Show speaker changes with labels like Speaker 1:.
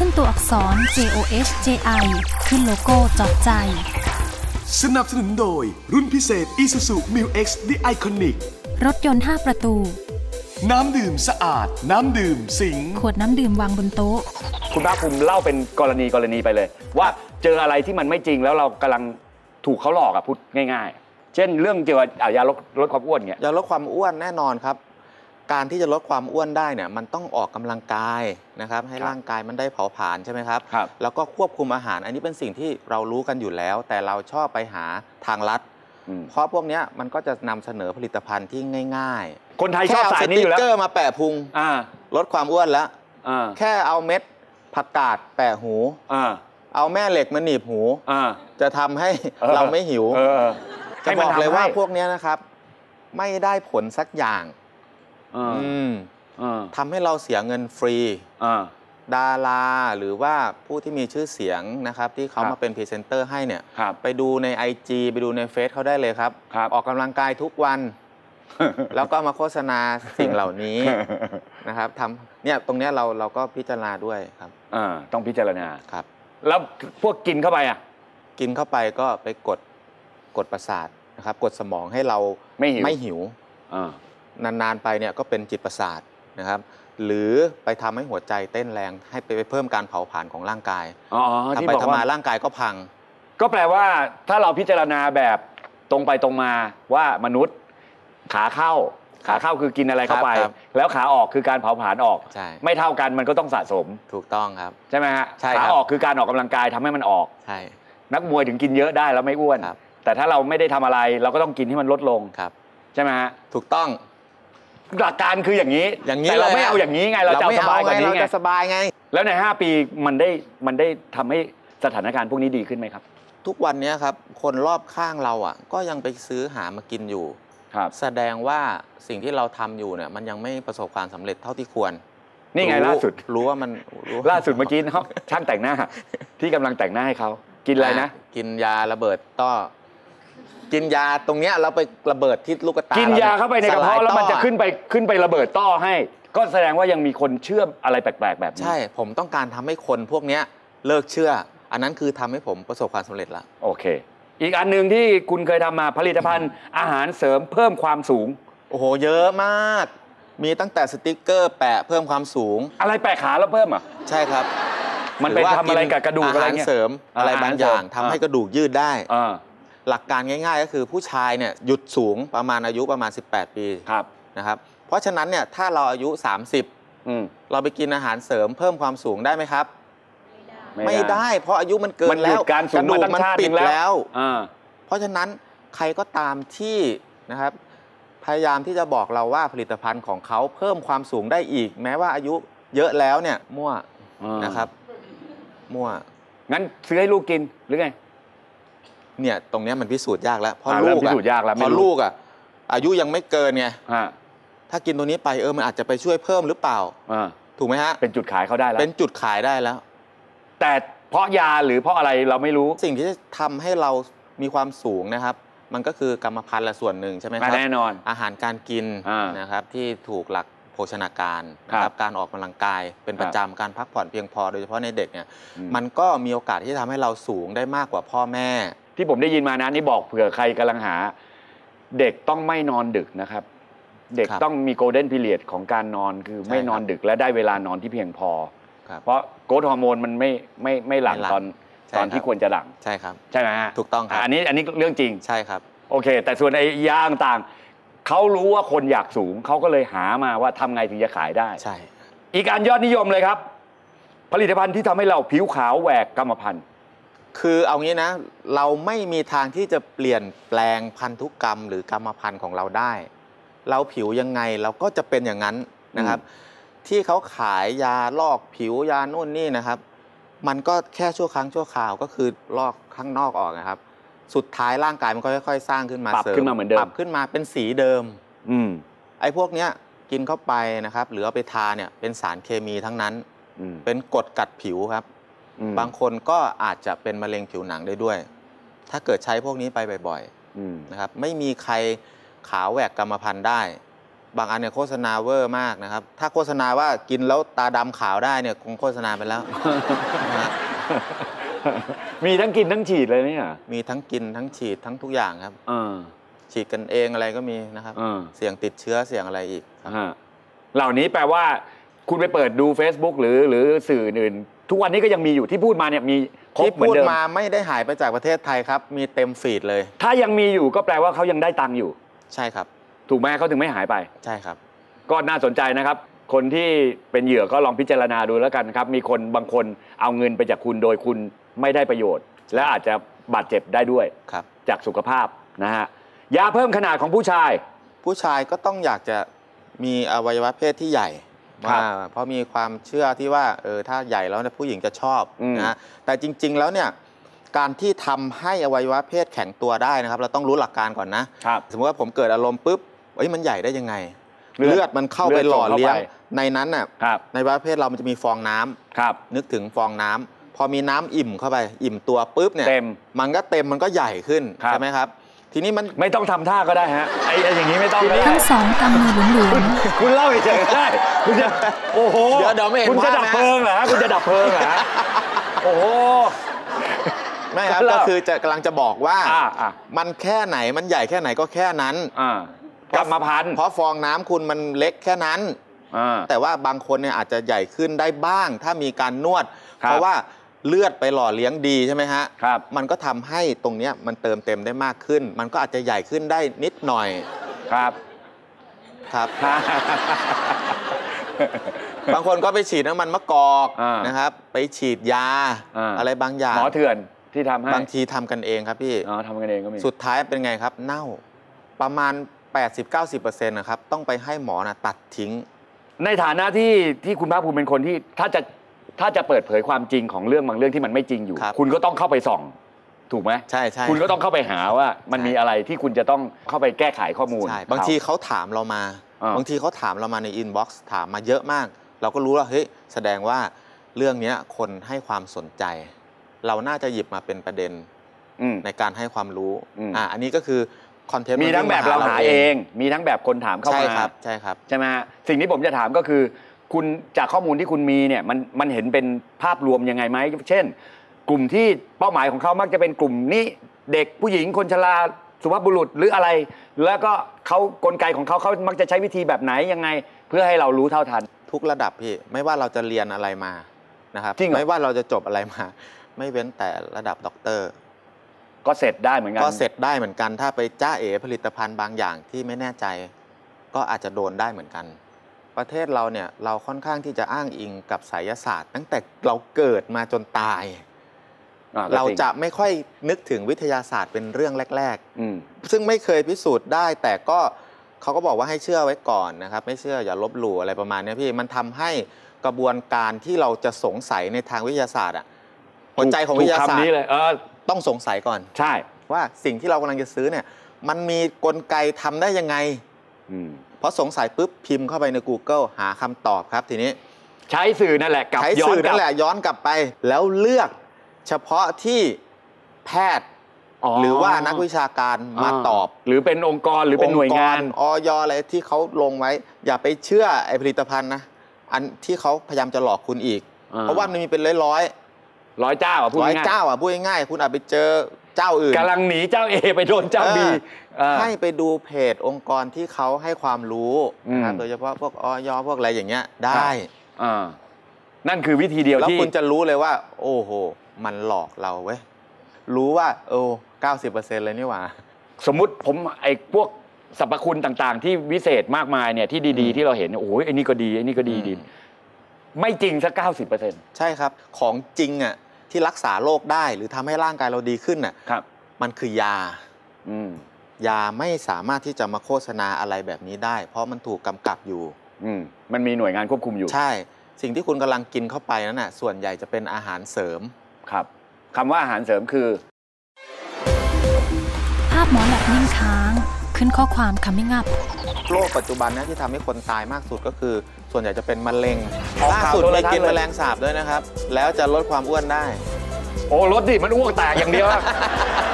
Speaker 1: ขึ้นตัวอักษร JOHJI ขึ้นโลโก้จอดใจ
Speaker 2: สนับสนุนโดยรุ่นพิเศษ Isuzu Mu-X The Iconic
Speaker 1: รถยนต์5ประตู
Speaker 2: น้ำดื่มสะอาดน้ำดื่มสิง
Speaker 1: ขวดน้ำดื่มวางบนโต๊ะ
Speaker 3: คุณภาคภูมิเล่าเป็นกรณีไปเลยว่าเจออะไรที่มันไม่จริงแล้วเรากำลังถูกเขาหลอกพูดง่ายๆเช่นเรื่องเกี่ยวกับยาลดความอ้วนเนี่ย
Speaker 4: ยาลดความอ้วนแน่นอนครับการที่จะลดความอ้วนได้เนี่ยมันต้องออกกำลังกายนะครับให้ร่างกายมันได้เผาผลาญใช่ไหมครับแล้วก็ควบคุมอาหารอันนี้เป็นสิ่งที่เรารู้กันอยู่แล้วแต่เราชอบไปหาทางลัดเพราะพวกนี้มันก็จะนำเสนอผลิตภัณฑ์ที่ง่าย
Speaker 3: ๆคนไทยชอบสายนี้อยู่แล้ว
Speaker 4: แค่เอาสติ๊กเกอร์มาแปะพุงลดความอ้วนแล้วแค่เอาเม็ดผักกาดแปะหูเอาแม่เหล็กมาหนีบหูจะทำให้เราไม่หิวจะบอกเลยว่าพวกนี้นะครับไม่ได้ผลสักอย่างทำให้เราเสียเงินฟรีดาราหรือว่าผู้ที่มีชื่อเสียงนะครับที่เขามาเป็นพรีเซนเตอร์ให้เนี่ยไปดูใน IG ไปดูในเฟซเขาได้เลยครับออกกำลังกายทุกวันแล้วก็มาโฆษณาสิ่งเหล่านี้นะครับทำเนี่ยตรงนี้เราก็พิจารณาด้วยครับ
Speaker 3: ต้องพิจารณา
Speaker 4: ครับ
Speaker 3: แล้วพวกกินเข้าไป
Speaker 4: กินเข้าไปก็ไปกดประสาทนะครับกดสมองให้เราไม่หิวนานๆไปเนี่ยก็เป็นจิตประสาทนะครับหรือไปทำให้หัวใจเต้นแรงให้ไปเพิ่มการเผาผลาญของร่างกายทำไปทำมาร่างกายก็พัง
Speaker 3: ก็แปลว่าถ้าเราพิจารณาแบบตรงไปตรงมาว่ามนุษย์ขาเข้าคือกินอะไรเข้าไปแล้วขาออกคือการเผาผลาญออกไม่เท่ากันมันก็ต้องสะสม
Speaker 4: ถูกต้องครับ
Speaker 3: ใช่ไหมฮะขาออกคือการออกกำลังกายทำให้มันออกนักมวยถึงกินเยอะได้แล้วไม่อ้วนแต่ถ้าเราไม่ได้ทำอะไรเราก็ต้องกินให้มันลดลงใช่ไหมฮะ
Speaker 4: ถูกต้อง
Speaker 3: หลักการคืออย่างนี้แต่เราไม่เอาอย่างนี้ไงเราจะสบายกว่านี้ไง
Speaker 4: เราจะสบายไง
Speaker 3: แล้วใน5 ปีมันได้ทำให้สถานการณ์พวกนี้ดีขึ้นไหมครับ
Speaker 4: ทุกวันนี้ครับคนรอบข้างเราก็ยังไปซื้อหามากินอยู่แสดงว่าสิ่งที่เราทำอยู่เนี่ยมันยังไม่ประสบความสำเร็จเท่าที่ควร
Speaker 3: นี่ไงล่าสุด
Speaker 4: รู้ว่ามัน
Speaker 3: ล่าสุดเมื่อกี้เขาช่างแต่งหน้าที่กำลังแต่งหน้าให้เขากินอะไรนะ
Speaker 4: กินยาระเบิดต้อกินยาตรงเนี้ยเราไประเบิดที่ลูกตา
Speaker 3: กินยาเข้าไปในกระเพาะแล้วมันจะขึ้นไประเบิดต้อให้ก็แสดงว่ายังมีคนเชื่ออะไรแปลกๆแบบนี้
Speaker 4: ใช่ผมต้องการทำให้คนพวกนี้เลิกเชื่ออันนั้นคือทำให้ผมประสบความสำเร็จแล้ว
Speaker 3: โอเคอีกอันหนึ่งที่คุณเคยทำมาผลิตภัณฑ์อาหารเสริมเพิ่มความสูง
Speaker 4: โอ้โหเยอะมากมีตั้งแต่สติ๊กเกอร์แปะเพิ่มความสูง
Speaker 3: อะไรแปะขาแล้วเพิ่ม
Speaker 4: ใช่ครับ
Speaker 3: มันเป็นทำอะไรกับกระดูกอะไรเงี้ย
Speaker 4: อาหารเสริมอะไรบางอย่างทำให้กระดูกยืดได้หลักการง่ายๆก็คือผู้ชายเนี่ยหยุดสูงประมาณอายุประมาณ18 ปีนะครับเพราะฉะนั้นเนี่ยถ้าเราอายุ30เราไปกินอาหารเสริมเพิ่มความสูงได้ไหมครับไม่ได้เพราะอายุมันเกินแล้ว
Speaker 3: กระดูกมัน
Speaker 4: ปิดแล้วเพราะฉะนั้นใครก็ตามที่นะครับพยายามที่จะบอกเราว่าผลิตภัณฑ์ของเขาเพิ่มความสูงได้อีกแม้ว่าอายุเยอะแล้วเนี่ยมั่วนะครับมั่ว
Speaker 3: งั้นซื้อให้ลูกกินหรือไง
Speaker 4: เนี่ยตรงนี้มันพิสูจน์ยากแล้วเพราะ
Speaker 3: ลูก
Speaker 4: อายุยังไม่เกินไงถ้ากินตัวนี้ไปมันอาจจะไปช่วยเพิ่มหรือเปล่าถูกไหมฮะ
Speaker 3: เป็นจุดขายเขาได้แล้ว
Speaker 4: เป็นจุดขายได้แล้ว
Speaker 3: แต่เพราะยาหรือเพราะอะไรเราไม่รู้
Speaker 4: สิ่งที่จะทำให้เรามีความสูงนะครับมันก็คือกรรมพันธุ์ละส่วนหนึ่งใช่ไหมครับ
Speaker 3: แน่นอน
Speaker 4: อาหารการกินนะครับที่ถูกหลักโภชนาการนะครับการออกกำลังกายเป็นประจำการพักผ่อนเพียงพอโดยเฉพาะในเด็กเนี่ยมันก็มีโอกาสที่จะทำให้เราสูงได้มากกว่าพ่อแม่
Speaker 3: ที่ผมได้ยินมานะนี่บอกเผื่อใครกำลังหาเด็กต้องไม่นอนดึกนะครับเด็กต้องมีโกลเด้นพีเรียดของการนอนคือไม่นอนดึกและได้เวลานอนที่เพียงพอเพราะโกรทฮอร์โมนมันไม่หลั่งตอนที่ควรจะหลั่ง
Speaker 4: ใช่ครับ
Speaker 3: ใช่ไหมฮะ
Speaker 4: ถูกต้องครับ
Speaker 3: อันนี้เรื่องจริง
Speaker 4: ใช่ครับ
Speaker 3: โอเคแต่ส่วนไอ้ยาต่างเขารู้ว่าคนอยากสูงเขาก็เลยหามาว่าทำไงถึงจะขายได้
Speaker 4: ใช่
Speaker 3: อีกอันยอดนิยมเลยครับผลิตภัณฑ์ที่ทำให้เราผิวขาวแหวกกรรมพันธุ์
Speaker 4: คือเอางี้นะเราไม่มีทางที่จะเปลี่ยนแปลงพันธุกรรมหรือกรรมพันธุ์ของเราได้เราผิวยังไงเราก็จะเป็นอย่างนั้นนะครับที่เขาขายยาลอกผิวยาโน่นนี่นะครับมันก็แค่ชั่วครั้งชั่วคราวก็คือลอกข้างนอกออกนะครับสุดท้ายร่างกายมันก็ค่อยๆสร้างขึ้นมา
Speaker 3: ปรับขึ้นมาเหมือนเดิม
Speaker 4: ปรับขึ้นมาเป็นสีเดิมไอ้พวกเนี้ยกินเข้าไปนะครับหรือเอาไปทาเนี่ยเป็นสารเคมีทั้งนั้นเป็นกรดกัดผิวครับบางคนก็อาจจะเป็นมะเร็งผิวหนังได้ด้วยถ้าเกิดใช้พวกนี้ไปบ่อยๆนะครับไม่มีใครขาวแหวกกรรมพันธุ์ได้บางอันเนี่ยโฆษณาเวอร์มากนะครับถ้าโฆษณาว่ากินแล้วตาดำขาวได้เนี่ยคงโฆษณาไปแล้ว
Speaker 3: มีทั้งกินทั้งฉีดเลยเนี่ย
Speaker 4: มีทั้งกินทั้งฉีดทั้งทุกอย่างครับฉีดกันเองอะไรก็มีนะครับเสี่ยงติดเชื้อเสี่ยงอะไรอีก
Speaker 3: เหล่านี้แปลว่าคุณไปเปิดดู Facebook หรือสื่ออื่นทุกวันนี้ก็ยังมีอยู่ที่พูดมาเนี่ยมีครบเหมือนเดิม
Speaker 4: ที่พูดมาไม่ได้หายไปจากประเทศไทยครับมีเต็มฟีดเลย
Speaker 3: ถ้ายังมีอยู่ก็แปลว่าเขายังได้ตังค์อยู่
Speaker 4: ใช่ครับ
Speaker 3: ถูกไหมเขาถึงไม่หายไป
Speaker 4: ใช่ครับ
Speaker 3: ก็น่าสนใจนะครับคนที่เป็นเหยื่อก็ลองพิจารณาดูแล้วกันครับมีคนบางคนเอาเงินไปจากคุณโดยคุณไม่ได้ประโยชน์และอาจจะบาดเจ็บได้ด้วยจากสุขภาพนะฮะยาเพิ่มขนาดของผู้ชาย
Speaker 4: ก็ต้องอยากจะมีอวัยวะเพศที่ใหญ่เพราะมีความเชื่อที่ว่าถ้าใหญ่แล้วผู้หญิงจะชอบนะแต่จริงๆแล้วเนี่ยการที่ทำให้อวัยวะเพศแข็งตัวได้นะครับเราต้องรู้หลักการก่อนนะสมมติว่าผมเกิดอารมณ์ปุ๊บมันใหญ่ได้ยังไงเลือดมันเข้าไปหล่อเลี้ยงในนั้นน่ะในอวัยวะเพศเรามันจะมีฟองน้ำนึกถึงฟองน้ำพอมีน้ำอิ่มเข้าไปอิ่มตัวปุ๊บเนี่ยมันก็เต็มมันก็ใหญ่ขึ้นใช่ไหมครับทีนี้มัน
Speaker 3: ไม่ต้องทำท่าก็ได้ฮะไอ้อย่างนี้ไม่ต้อง
Speaker 1: ทั้งสองกำมือหลวม
Speaker 3: ๆคุณเล่าเฉยๆได้คุณจะโอ้โห
Speaker 4: เดี๋ยวไม่เห็น
Speaker 3: คุณจะดับเพลิงเหรอคุณจะดับเพลิงเหรอโอ้โห
Speaker 4: ไม่ครับก็คือจะกำลังจะบอกว่ามันแค่ไหนมันใหญ่แค่ไหนก็แค่นั้น
Speaker 3: กรรมพันธุ์
Speaker 4: เพราะฟองน้ำคุณมันเล็กแค่นั้นแต่ว่าบางคนเนี่ยอาจจะใหญ่ขึ้นได้บ้างถ้ามีการนวดเพราะว่าเลือดไปหล่อเลี้ยงดีใช่ไหมฮะมันก็ทำให้ตรงนี้มันเติมเต็มได้มากขึ้นมันก็อาจจะใหญ่ขึ้นได้นิดหน่อย
Speaker 3: ครับ
Speaker 4: บางคนก็ไปฉีดน้ำมันมะกอกนะครับไปฉีดยาอะไรบางอย่าง
Speaker 3: หมอเถื่อนที่ทำให้
Speaker 4: บางทีทำกันเองครับพี่
Speaker 3: ทำกันเองก็มี
Speaker 4: สุดท้ายเป็นไงครับเน่าประมาณ 80-90% นะครับต้องไปให้หมอตัดทิ้ง
Speaker 3: ในฐานะที่คุณภาคภูมิเป็นคนที่ถ้าจะเปิดเผยความจริงของเรื่องบางเรื่องที่มันไม่จริงอยู่คุณก็ต้องเข้าไปส่องถูกไหม
Speaker 4: ใช่
Speaker 3: คุณก็ต้องเข้าไปหาว่ามันมีอะไรที่คุณจะต้องเข้าไปแก้ไขข้อมูล
Speaker 4: บางทีเขาถามเรามาในอินบ็อกซ์ถามมาเยอะมากเราก็รู้ว่าเฮ้ยแสดงว่าเรื่องนี้คนให้ความสนใจเราน่าจะหยิบมาเป็นประเด็นในการให้ความรู้อันนี้ก็คือคอนเทนต์
Speaker 3: มีทั้งแบบเราหาเองมีทั้งแบบคนถามเข้ามา
Speaker 4: ใช่ครับ
Speaker 3: ใช่ไหมสิ่งที่ผมจะถามก็คือคุณจากข้อมูลที่คุณมีเนี่ยมันเห็นเป็นภาพรวมยังไงไหมเช่นกลุ่มที่เป้าหมายของเขามักจะเป็นกลุ่มนี้เด็กผู้หญิงคนชราสุภาพบุรุษหรืออะไรแล้วก็เขากลไกของเขามักจะใช้วิธีแบบไหนยังไงเพื่อให้เรารู้เท่าทัน
Speaker 4: ทุกระดับพี่ไม่ว่าเราจะเรียนอะไรมานะครับไม่ว่าเราจะจบอะไรมาไม่เว้นแต่ระดับด็อกเตอร์
Speaker 3: ก็เสร็จได้เหมือนกัน
Speaker 4: ถ้าไปจ้าเอ๋ผลิตภัณฑ์บางอย่างที่ไม่แน่ใจก็อาจจะโดนได้เหมือนกันประเทศเราเนี่ยเราค่อนข้างที่จะอ้างอิงกับไสยศาสตร์ตั้งแต่เราเกิดมาจนตายเราจะไม่ค่อยนึกถึงวิทยาศาสตร์เป็นเรื่องแรกๆซึ่งไม่เคยพิสูจน์ได้แต่ก็เขาก็บอกว่าให้เชื่อไว้ก่อนนะครับไม่เชื่ออย่าลบหลู่อะไรประมาณนี้พี่มันทำให้กระบวนการที่เราจะสงสัยในทางวิทยาศาสตร์หัวใจของวิทยาศาสตร์ต้องสงสัยก่อน
Speaker 3: ใช่
Speaker 4: ว่าสิ่งที่เรากำลังจะซื้อเนี่ยมันมีกลไกทำได้ยังไงเพราะสงสัยปุ๊บพิมพ์เข้าไปใน Google หาคำตอบครับทีนี้
Speaker 3: ใช้สื่อนั่นแหละ
Speaker 4: ย้อนกลับไปแล้วเลือกเฉพาะที่แพทย์หรือว่านักวิชาการมาตอบ
Speaker 3: หรือเป็นองค์กรหรือเป็นหน่วยงาน
Speaker 4: อย.อะไรที่เขาลงไว้อย่าไปเชื่อไอ้ผลิตภัณฑ์นะอันที่เขาพยายามจะหลอกคุณอีกเพราะว่ามันมีเป็นร้อย
Speaker 3: เจ้าพูด
Speaker 4: ง่ายคุณอาจไปเจอเจ้าอื่น
Speaker 3: กำลังหนีเจ้า A ไปโดนเจ้า B
Speaker 4: ให้ไปดูเพจองค์กรที่เขาให้ความรู้โดยเฉพาะพวกอย.พวกอะไรอย่างเงี้ยได้
Speaker 3: นั่นคือวิธีเดียวที่
Speaker 4: แล้วคุณจะรู้เลยว่าโอ้โหมันหลอกเราเว้ยรู้ว่า90% เลยนี่หว่า
Speaker 3: สมมุติผมไอ้พวกสรรพคุณต่างๆที่วิเศษมากมายเนี่ยที่ดีๆที่เราเห็นโอ้ยไอ้นี่ก็ดีไอ้นี่ก็ดีไม่จริงสัก 90%
Speaker 4: ใช่ครับของจริงอ่ะที่รักษาโรคได้หรือทำให้ร่างกายเราดีขึ้นน่ะมันคือยายาไม่สามารถที่จะมาโฆษณาอะไรแบบนี้ได้เพราะมันถูกกำกับอยู่
Speaker 3: มันมีหน่วยงานควบคุมอยู่
Speaker 4: ใช่สิ่งที่คุณกำลังกินเข้าไปนั้นน่ะส่วนใหญ่จะเป็นอาหารเสริม
Speaker 3: ครับคำว่าอาหารเสริมคือ
Speaker 1: ภาพหมอแลบนิ่งค้างขึ้นข้อความcoming up
Speaker 4: โรคปัจจุบันนี้ที่ทำให้คนตายมากสุดก็คือส่วนใหญ่จะเป็นมะเร็งล่าสุดไปกินแมลงสาบด้วยนะครับแล้วจะลดความอ้วนได้
Speaker 3: โอ้ลดดิมันอ้วกแตกอย่างเดียว